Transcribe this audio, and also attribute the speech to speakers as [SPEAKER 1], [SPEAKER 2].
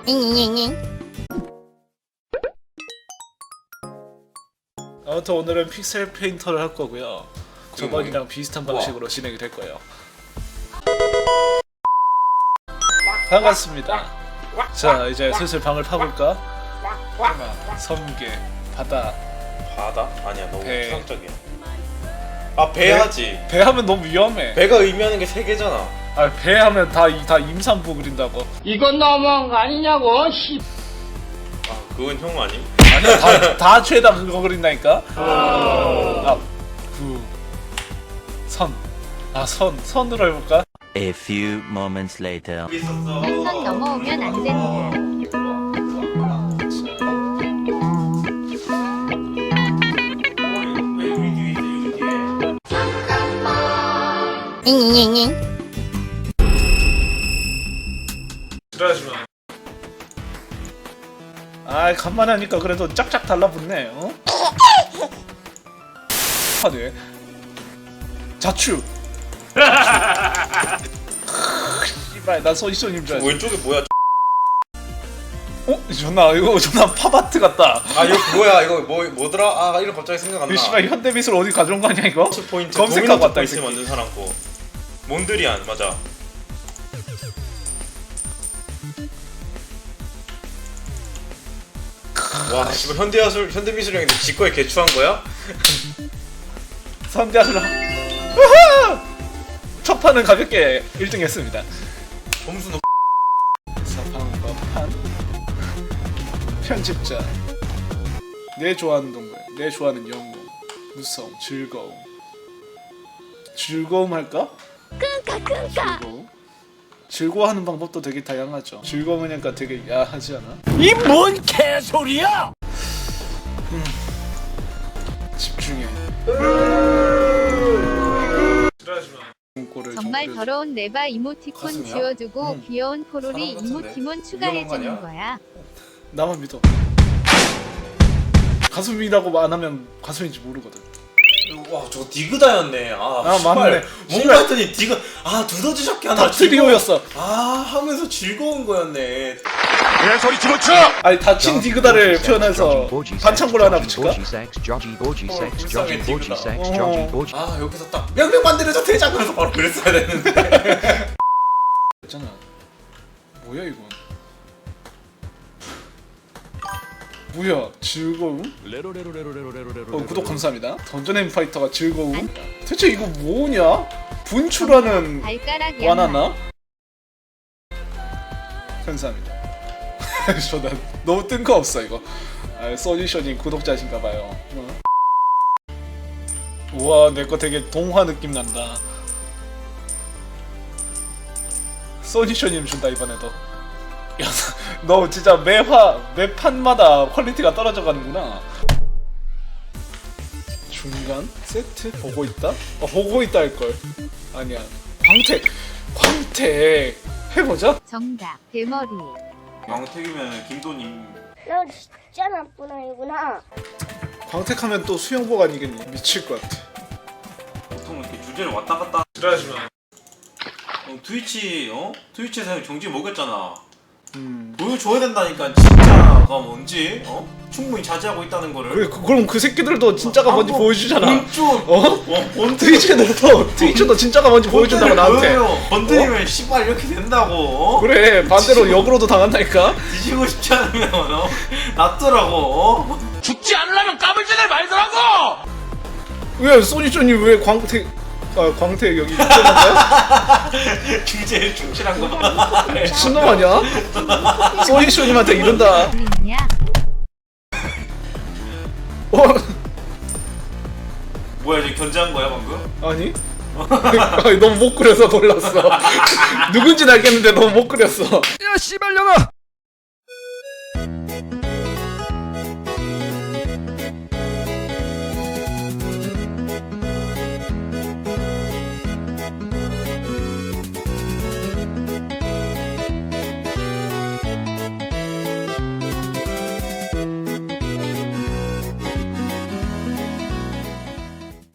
[SPEAKER 1] 아무튼 오늘은 픽셀 페인터를 할 거고요. 저번이랑 비슷한 방식으로 진행이 될 거예요. 반갑습니다. 자, 이제 슬슬 방을 파볼까? 섬계, 바다.
[SPEAKER 2] 바다? 아니야, 너무
[SPEAKER 1] 배.
[SPEAKER 2] 추상적이야. 아, 배 하지.
[SPEAKER 1] 배 하면 너무 위험해.
[SPEAKER 2] 배가 의미하는 게 세 개잖아.
[SPEAKER 1] 아, 배 하면 다 임산부 그린다고.
[SPEAKER 3] 이건 너무한 거 아니냐고, 씨.
[SPEAKER 2] 아, 그건 형 아님?
[SPEAKER 1] 아니야, 다 죄다 그거 그린다니까? 선으로 해볼까?
[SPEAKER 4] A few moments later.
[SPEAKER 5] 선 넘어오면 안 된다.
[SPEAKER 1] 그러지마. 아, 간만에 하니까 그래도 짝짝 달라붙네. 어? 하네. 자추. 씨발, 난 소이소님 줄 알았어.
[SPEAKER 2] 왼쪽에 뭐야?
[SPEAKER 1] 어? 이거 존나 팝아트 같다.
[SPEAKER 2] 아, 이거 뭐야? 이거 뭐더라? 아, 이름 갑자기 생각 안 나.
[SPEAKER 1] 이 씨발 현대미술 어디 가져온 거 아니야 이거?
[SPEAKER 2] 포인트
[SPEAKER 1] 검색하고 왔다 이
[SPEAKER 2] 포인트
[SPEAKER 1] 새끼.
[SPEAKER 2] 만든 사람 거. 몬드리안 맞아. 와, 씨발 현대미술형인데 지거에 개추한 거야?
[SPEAKER 1] 선대하라. 첫 판은 가볍게 1등 했습니다.
[SPEAKER 2] 점수 높.
[SPEAKER 1] 사판과 판. 편집자. 내 좋아하는 동물, 내 좋아하는 영웅, 무서움, 즐거움. 즐거움 할까? 즐거움. 즐거워하는 방법도 되게 다양하죠. 즐거우니까 되게 야하지 않아?
[SPEAKER 3] 이 뭔 개소리야!
[SPEAKER 1] 집중해.
[SPEAKER 5] 정말 더러운 네바 이모티콘
[SPEAKER 2] 가슴이야?
[SPEAKER 5] 지워주고 귀여운 포로리
[SPEAKER 2] 사람 같은데?
[SPEAKER 5] 이모티콘
[SPEAKER 2] 위험한 거
[SPEAKER 5] 추가해주는
[SPEAKER 2] 아니야?
[SPEAKER 5] 거야.
[SPEAKER 1] 나만 믿어. 가슴이라고 안 하면 가슴인지 모르거든.
[SPEAKER 2] 와, 저거 디그다였네.
[SPEAKER 1] 아,
[SPEAKER 2] 씨발.
[SPEAKER 1] 맞네.
[SPEAKER 2] 뭔가 했더니 디그 두더지 하나
[SPEAKER 1] 다 트리오였어.
[SPEAKER 2] 하면서 즐거운 거였네.
[SPEAKER 3] 개소리 집어쳐!
[SPEAKER 1] 아니 다친 디그다를 표현해서 반창고를 하나 붙일까?
[SPEAKER 2] 불쌍해, 디그다.
[SPEAKER 1] 어.
[SPEAKER 2] 아, 여기서 딱 명령 만들어줘 대장 그래서 바로 그랬어야 되는데.
[SPEAKER 1] 있잖아. 뭐야 이건? 뭐야 즐거움? 구독 감사합니다. 던전 앤 파이터가 즐거움? 대체 이거 뭐냐? 분출하는
[SPEAKER 5] 발가락 양말.
[SPEAKER 1] 와나나? 감사합니다. 저는 너무 뜬금없어 이거. 아, 소지션이 구독자신가봐요. 우와, 내 거 되게 동화 느낌 난다. 소지션님 준다 이번에도. 야, 너 진짜 매 판마다 퀄리티가 떨어져 가는구나. 중간 세트 보고 있다? 보고 있다 할 걸. 아니야. 광택 해보자.
[SPEAKER 5] 정답 대머리.
[SPEAKER 2] 왕택이면 김도님.
[SPEAKER 6] 너 진짜 나쁜 아이구나.
[SPEAKER 1] 광택하면 또 수영복 아니겠니? 미칠 것 같아.
[SPEAKER 2] 보통 이렇게 주제를 왔다 갔다.
[SPEAKER 1] 그러지마.
[SPEAKER 2] 트위치에서 형 정지 먹였잖아. 보여줘야 된다니까 진짜가 뭔지 충분히 자제하고 있다는 거를.
[SPEAKER 1] 그래, 그럼 그 새끼들도 진짜가 뭔지 보여주잖아.
[SPEAKER 2] 본론
[SPEAKER 1] 트위치도 진짜가 뭔지 보여준다고 나한테.
[SPEAKER 2] 건드리면 씨발 이렇게 된다고.
[SPEAKER 1] 그래, 반대로 역으로도 당한다니까.
[SPEAKER 2] 뒤지고 싶지 않으면 놔두라고.
[SPEAKER 3] 죽지 않으려면 까불지들 말더라고!
[SPEAKER 1] 왜 소니존이 왜 광택 여기 있잖아.
[SPEAKER 2] 주제에 충실한 거 봐.
[SPEAKER 1] 미친놈 아니야? 소니존님한테 이런다.
[SPEAKER 5] 야
[SPEAKER 2] 뭐야, 지금 견제한 거야 방금?
[SPEAKER 1] 아니? 아니, 너무 못 그려서 놀랐어. 누군지는 알겠는데 너무 못 그렸어.
[SPEAKER 3] 야, 씨발년아!